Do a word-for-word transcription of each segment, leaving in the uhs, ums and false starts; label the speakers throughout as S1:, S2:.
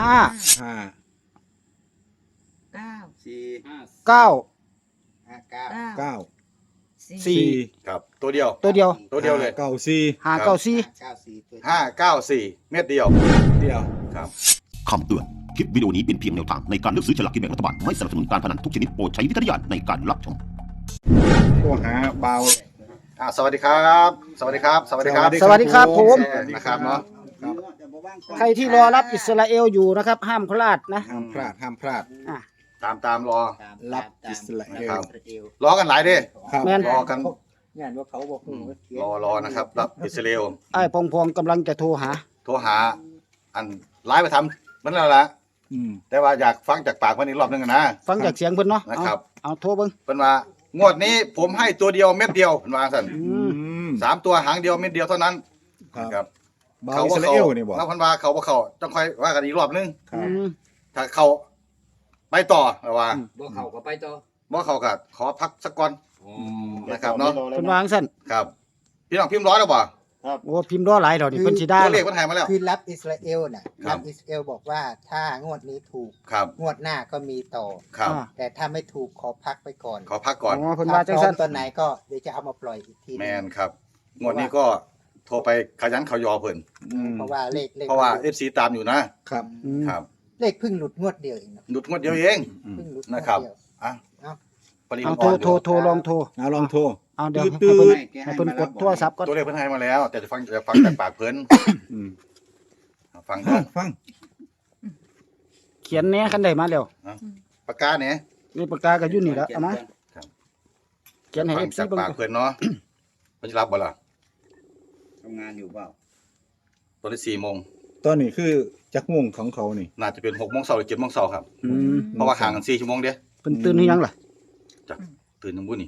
S1: ห้า
S2: ห้า
S3: เก้า
S4: สี่
S1: เก้า
S4: ห้าเก้า
S2: เก้า
S1: สี่
S2: สี่
S5: ครับตัวเดียว
S1: ตัวเดียว
S5: ตัวเดียวเลย
S2: เก้าสี่
S1: ห้าเก้าสี่
S4: เก้าสี่ตัว
S5: ห้าเก้าสี่เม็ดเดียว
S2: เดียว
S5: ครับ
S6: คำเตือน คลิปวิดีโอนี้เป็นเพียงแนวทางในการเลือกซื้อฉลากกินแบ่งรัฐบาล ไม่สนับสนุนการพนันทุกชนิดโปรดใช้วิจารณญาณในการรับชม
S2: โทรหาเบา
S5: อ่าสวัสดีครับ สวัสดีครับ สวัสดีครับ
S1: สวัสดีครับผม
S5: นะครับเนาะ
S1: ใครที่รอรับอิสราเอลอยู่นะครับ ห้ามพลาดนะ
S2: ห้ามพลาดห้ามพลาด
S1: อ่ะ
S5: ตามตามรอ
S2: รับอิสราเอล
S5: ครับ รอกันหลายเด้
S2: ครับ
S1: แม่น
S5: รอกัน
S4: งานว่าเขาบอก
S5: อืมรอรอนะครับรับอิสราเอล
S1: ไอ้พองพองกำลังจะโทรหา
S5: โทรหาอันไลฟ์ไปทำมันแล้วละ
S2: อืม
S5: แต่ว่าอยากฟังจากปากเพิ่นอีกรอบหนึงอะนะ
S1: ฟังจากเสียงเพิ่นเนาะ
S5: นะครับ
S1: เอาเอาโทรเบิ่ง
S5: เพิ่นว่างวดนี้ผมให้ตัวเดียวเม็ดเดียวเพิ่นว่าซั่น
S1: อื
S2: อื
S1: ม
S2: ม
S5: สามตัวหางเดียวเม็ดเดียวเท่านั้น
S2: ครับ
S5: ครับ
S2: เบาอิสราเอลนี่บ่
S5: แล้วเพิ่นว่าเขาบ่เข้าต้องค่อยว่ากันอีกรอบหนึง
S2: ครั
S1: อื
S2: บ
S1: ม
S5: ถ้าเขาไปต่อแต่ว่า
S4: บ่เขาก็ไปต่อ
S5: บ่เขาก็ขอพักสักก่อนนะครับเนาะ
S1: เพิ่นวาจั่งซั่น
S5: ครับพี่น้องพิมพ์ร้อยแล้วบ่
S1: โอ้พิมพ์รอหลายดอกนี่เพิ่นสิได้
S5: ตัวเลขเพิ่นให้มาแล้ว
S4: คือรับอิสราเอลน่ะ
S5: ครั
S4: รับ บอิสราเอลบอกว่าถ้างวดนี้ถูก
S5: ครับ
S4: งวดหน้าก็มีต่อ
S5: ครับ
S1: อ่า
S4: แต่ถ้าไม่ถูกขอพักไปก่อน
S5: ขอพักก่อน
S1: อ๋อเพิ่น
S4: ถ้า
S1: ว่า
S4: พ
S1: จัง
S4: ร้อ
S1: ซั่
S4: ม
S1: น
S4: ตอนไหนก็เดี๋ยวจะเอามาปล่อยอีกทีห
S5: แม
S4: นึ่ง
S5: นครับงวดนี้ก็โทรไปขยันเขายอเพิ่น
S2: อืม
S4: เพราะว่าเลขเลข
S5: เพราะว่า เอฟ ซี ตามอยู่นะครับ
S1: อืม
S5: ครับ
S4: เลขเพิ่งหลุดงวดเดียวเองนะ
S5: หลุดงวดเดียวเอง
S4: เพิ่งหลุดงวด
S5: นะครับ
S4: เดียว
S5: อ่ะ
S4: เอ้า
S5: ปริมา
S1: เอา
S5: ณ
S1: โทร
S5: อ่อนอ
S1: โทร
S5: ยู่
S1: โทรลองโทร
S2: เอาลองโทร
S1: เอาเดี๋ยว
S2: ตื้
S1: ให้
S2: อ
S1: เพิ่น
S2: ๆ
S1: ให้เพิ่นกดโทรศัพท์ก่อน
S5: ตัวเลขเพิ่นให้มาแล้ว แต่จะฟังจะฟังจากปากเพิ่น
S2: อืม
S5: ฟัง
S2: ฟั
S5: เด้อง
S2: ฟัง
S1: เขียนแหน่คันได้มาแล้ว
S5: ปากกาเนี่ย
S1: นี่ปากกาก็อยู่นี่แล้วเอามาเขียนให้
S5: ฟั
S1: เอง ฟซี
S5: จาก
S1: เบิ่ง
S5: ปากเพิ่นเนาะเพิ่นจะรับบ่ล่ะ
S4: ทำงานอยู่เปล่า
S5: ตอนนี้สี่โมง
S2: ตอนนี้คือจักม่วงของเขานี่
S5: น่าจะเป็นหกโมงเช้าหรือเจ็ดโมงเช้าครับ
S1: อืม
S5: เพราะว่าห่างกันสี่ชั่วโมงเด้
S1: เพิ่นตื่นหรือยังล่ะ
S5: จากตื่นทั้งบุญนี่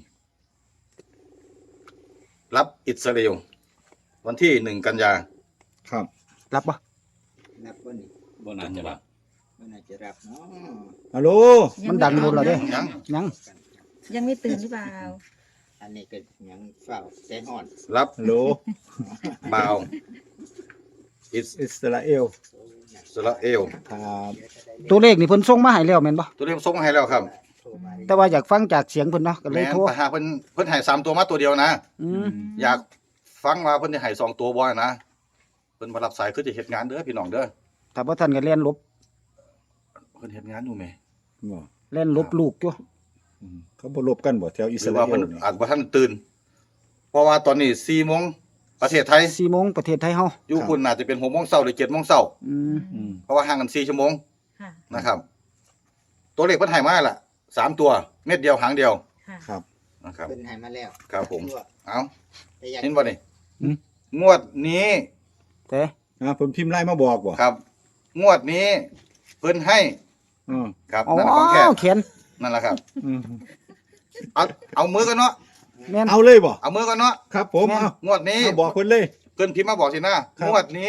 S5: รับอิสราเอลวันที่หนึ่งกันยา
S2: ครับ
S1: รับบ่
S4: นับว่านี่
S5: บ่น่าจะรับ
S4: ไม่น่าจะรับเนาะ
S2: ฮัลโหล
S1: มันดังบนแล้วเด้
S5: ยัง
S1: ยัง
S3: ยังไม่ตื่นหรือเปล่า
S4: อันนี้ก็ยังเฝ้าใจห่อน
S5: รับ
S2: ฮัลโหล
S5: บ่าวอิส
S2: อิสราเอล
S5: ราเอล
S2: ครับ
S1: ตัวเลขนี่เพิ่นส่งมาให้แล้วแม่นบ่
S5: ตัวเลขส่งมาให้แล้วครับ
S4: โทรมา
S1: แต่ว่าอยากฟังจากเสียงเพิ่นเนาะก็เล
S5: แม่
S1: ย
S5: น
S1: โทร
S5: ปัญหาเพิ่นเพิ่นให้สามตัวมาตัวเดียวนะ
S1: อืม
S5: อยากฟังว่าเพิ่นจะให้สองตัวบ่นะเพิ่นบ่รับสายคือจะเฮ็ดงานเด้อพี่น้องเด้อ
S1: ถ้าบ่ทันก็เล่นลบ
S5: เพิ่นเฮ็ดงานอยู่แหม
S2: บ่
S1: เล่นลบลูกอยู่
S2: อืมเขาบ่ลบกันบ่แถวอิ
S5: ห
S2: ส
S5: รือ
S2: รา
S5: ว่า
S2: เอ
S5: เพิ่น
S2: ลนี่
S5: อาจบ่ทันตื่น เพราะว่าตอนนี้สี่โมงประเทศไทย
S1: สี่โมงประเทศไทยเฮา
S5: อยู่คุณน่าจะเป็นหกโมงเช้าหรือเจ็ดโมงเช้า
S1: อืม
S2: อืม
S5: เพราะว่าห่างกันสี่ชั่วโมง
S3: ค่ะ
S5: นะครับ ตัวเลขเพิ่นให้มาล่ะสามตัวเม็ดเดียวหางเดียว
S3: ค่ะ
S2: ครับ
S5: นะครับ
S4: เป็นใหายมาแล้ว
S5: ครับผม เอ้า
S4: แต่อยาก
S5: เห็นบ่นี่
S2: อืม
S5: งวดนี้
S1: แต่
S2: อ่าเพิ่นพิมพ์ไลน์มาบอกบ่
S5: ครับ งวดนี้เพิ่นให้
S2: อืม
S5: ครับ
S1: อ๋อ
S5: นั่นแหละของแท้
S1: เขียน
S5: นั่นแหละครับ
S2: อืม
S5: เอาเอามือกันเนาะ
S1: แม่น
S2: เอาเลยบ่
S5: เอามือกันเนาะ
S2: ครับผม
S1: แม่น
S2: เอา
S5: งวดนี้
S2: เอาบอกเพิ่นเลย
S5: เพิ่นพิมพ์มาบอกสินะครับ งวดนี้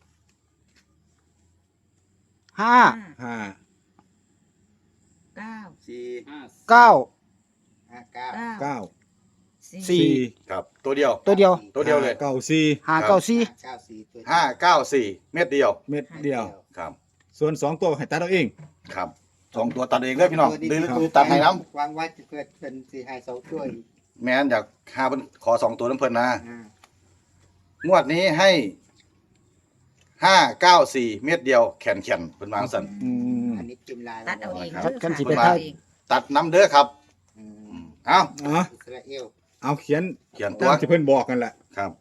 S1: ห้า
S2: ห้า
S3: เก้า
S4: สี่
S1: เก้า
S4: ห้าเก้า
S3: เก้า
S2: เก้า
S3: สี่
S1: สี่
S5: ครับ ตัวเดียว
S1: ตัวเดียว
S5: ตัวเดียวเลย
S2: เก้าสี่
S1: ห้าเก้าสี่
S4: เก้าสี่ตัว
S5: ห้าเก้าสี่เม็ดเดียว
S2: เม็ดเดียว
S5: ครับ
S2: ส่วนสองตัวให้ตัดเอาเอง
S5: ครับสองตัวตัดเองเลยพี่น้องหรือหรือตัดให้น้
S4: วางไว้เพื่อเป็นสี่ให้สองตัวอีก
S5: ำแม่นอยากหาเพิ่นขอสองตัวน้ำเพิ่นนะ
S4: อ่าง
S5: วดนี้ให้ห้าเก้าสี่เม็ดเดียวแขนแขนเพิ่นวางสั่น
S2: อืม
S4: อันนี้พิมพ์ลาย
S3: ตัดเอาเอง
S5: ครับ
S3: เด้อ
S1: กันสิ
S3: ค่ะ
S1: ไป
S3: ตัด
S1: ถ่าย
S3: เอาเอง
S5: ตัดน้ำเด้อครับ
S4: อืม
S5: อืมเอา
S2: อ๋อ
S4: อิสราเอล
S2: เอาเขียน
S5: เขียนตั
S2: ตาว มที่เพิ่นบอกกันแหละ
S5: ครับ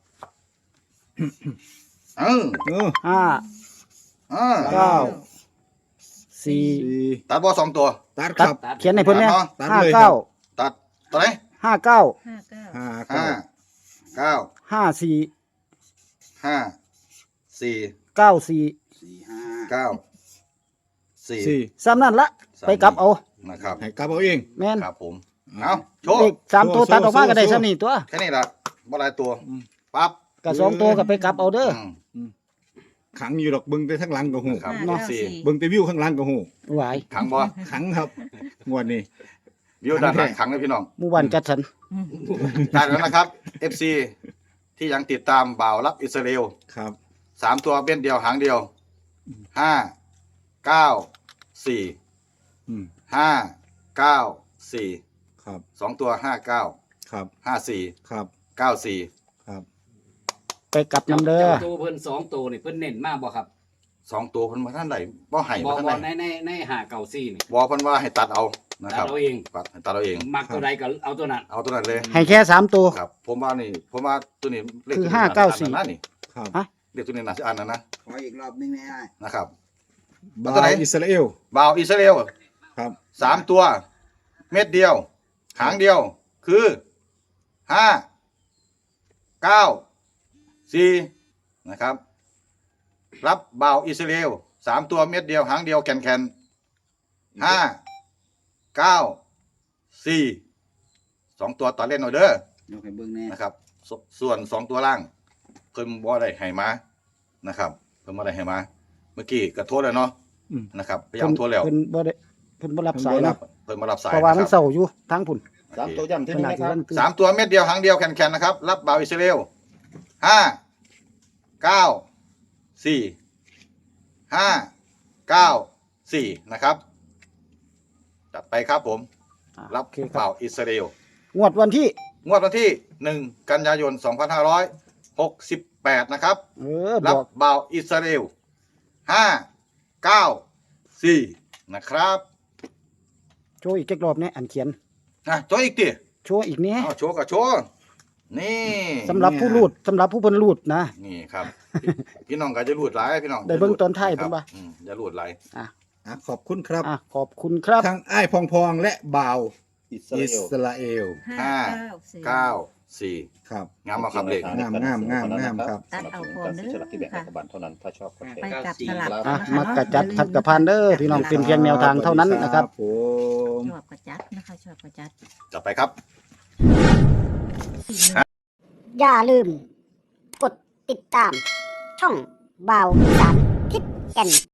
S5: เออ
S2: เออ
S1: ห้า
S5: เออ
S1: เก้า สี่
S2: สี่
S5: ตัดบอสองตัว
S2: ตัดค
S1: ตัด
S2: รับ
S1: เขียนให้เพิ่นเนี่ย
S2: ตัด
S1: ห้า
S2: เลย
S1: เก้า
S5: ตัดตัวไหน
S1: ห้าเก้า
S3: ห้าเก้า
S2: ห้า
S5: ห้า
S2: เก้า
S5: เก้า
S1: ห้าสี่
S5: ห้าสี่
S1: เก้าสี่
S4: สี่ห้า
S5: เก้าสี่
S2: สี่
S1: ซ้ำนั่นละไปกลับเอา
S5: นะครับ
S2: ให้กลับเอาเอง
S1: แม่น
S5: ครับผมเอาโชว์
S1: เลขสามตัว
S2: โซ่
S1: ตัดออกมาก็ได้
S2: โซ่
S1: ซ้ำนี่ตัว
S5: แค่นี้ละบ่หลายตัว
S2: อืม
S5: ปั๊บ
S1: กับสองตัวก็ไปกลับเอาเด้อ
S5: อืม
S2: ขังอยู่ดอกเบิ่งแต่ข้างหลังก็หู
S5: ครับ
S3: ห้าเก้าสี่
S2: เบิ่งแต่วิวข้างหลังก็หู
S1: หวาย
S5: ขังบ่
S2: ขังครับงวดนี้
S5: วิวด้านหลังขังเลยพี่น้อง
S1: หมู่บ้านจัดสรร
S5: ได้แล้วนะครับ เอฟ ซี ที่ยังติดตามบ่าวรับอิสราเอล
S2: ครับ
S5: สามตัวเป็นเดียวหางเดียวห้าเก้าสี่
S2: อืม
S5: ห้าเก้าสี่
S2: ครับ
S5: สองตัวห้าเก้า
S2: ครับ
S5: ห้าสี่
S2: ครับ
S5: เก้าสี่
S2: ครับ
S1: ไปกลับน้ำเด้อ
S7: เจ้าตัวเพิ่นสองตัวนี่เพิ่นเน้นมากบ่ครับ
S5: สองตัวเพิ่นมาท่านใดบ่ให้
S7: บ่
S5: มาท่าน
S7: บ่
S5: ใด
S7: ในในในหาเก่าซี่นี่
S5: บ่เพิ่นว่าให้ตัดเอานะค
S7: ตั
S5: รั
S7: ด
S5: บ
S7: เอาเอง
S5: ตัดให้ตัดเอาเอง
S7: มักตัวใดก็เอาตัวนั้น
S5: เอาตัวนั้นเลย
S1: ให้แค่สามตัว
S5: ครับ ผมว่านี่ผมว่าตัวนี้เลข
S1: คือ
S5: ตัวนี้
S1: ห้าเก้าสี่
S5: อันนั้นนะนี่
S2: ครับ
S1: ฮะ
S5: เลขตัวนี้น่าจะอันนั้นนะ
S4: ขออีกรอบนึงไม่ได้
S5: นะครับ
S2: บา
S5: ตัวไหน
S2: วอิสราเอล
S5: บ่าวอิสราเอล
S2: ครับ
S5: สามตัว เม็ดเดียว หางเดียว คือห้าเก้าสี่นะครับ รับบ่าวอิสราเอลสามตัวเม็ดเดียว หางเดียวแคนแคนห้าเก้าสี่สองตัวต่อเล่นหน่อยเด้อย
S4: กให้เบิ่งแน่
S5: นะครับสส่วนสองตัวล่าง เพิ่มบ่ได้ให้มานะครับ เพิ่มบ่ได้ให้มา เมื่อกี้ก็โทษแล้วเนาะ
S2: อืม
S5: นะครับพยายามโทษแล้ว
S1: เพิ่นบ่ได้เพิ่นบ่รับสาย
S2: เพิ่นบ่รั
S1: นะ
S2: บ
S5: เพิ่มมารับสาย
S1: เพราะว่ามัน
S5: นะค
S1: เศ
S5: รับ
S1: ร้าอยู่ทั้งพุ่น
S5: สามตัว
S2: ย้ำที่
S1: ข
S2: นี่
S1: นาด
S2: นะค
S1: ที่
S2: รับ
S1: นั่นคือ
S5: สามตัวเม็ดเดียวหางเดียวแคนแคนนะครับ รับบ่าวอิสราเอลห้าเก้าสี่ห้าเก้าสี่นะครับ จัดไปครับผม
S1: อ่ะ
S5: รับ
S1: โอเคค
S5: บ่า
S1: รับ
S5: วอิสราเอล
S1: งวดวันที่
S5: งวดวันที่หนึ่งกันยายนสองพันห้าร้อยหกสิบแปดนะครับ
S1: เออ
S5: รั
S1: บบ อก
S5: บ่าวอิสราเอลห้าเก้าสี่นะครับ
S1: โชว์อีกจักรอบเนี่ยอันเขียน
S5: นะโชว์อีกที
S1: โชว์อีกเนี่ย
S5: เอาโชว์กับโชว์นี่
S1: สำหรับผู้รูดสำหรับผู้เพิ่นรูดนะ
S5: นี่ครับ พี่น้องก็จะรูดหลายพี่น้อง
S1: ได้เบิ่งตอนท้าย
S5: ค
S1: เพิ่
S5: รับ
S1: นว่า
S5: อืมอย่ารูดหลาย
S2: อ่ะขอบคุณครับ
S1: อ่ะขอบคุณครับ
S2: ทั้งไอ้ายพองพองและบ่าว
S5: อิส
S2: อิ
S5: ราเอล
S2: สราเอล
S3: ห้า
S5: ห้า
S3: เก้าสี่
S5: เก้าสี่
S2: ครับ
S5: งามมาครับเลข
S2: งามงามงามงามครับ
S3: ตัดเอาพร้อมเด้อค่ะ
S8: เท่านั้นถ้าชอบก็แช
S3: ไป
S8: ร์
S3: กลับสลับ
S1: อ่ะ
S3: นะคะ
S1: มักกะจัดทัดกะพานเด้อพี่น้องเป็นเพียงแนวทางเท่านั้นนะครับ
S2: ผม
S3: ชอบกระจัดนะคะชอบกระจัด
S5: จับไปครับ
S9: อย่าลืม กดติดตาม ช่องบ่าวอีสานทิศแก่น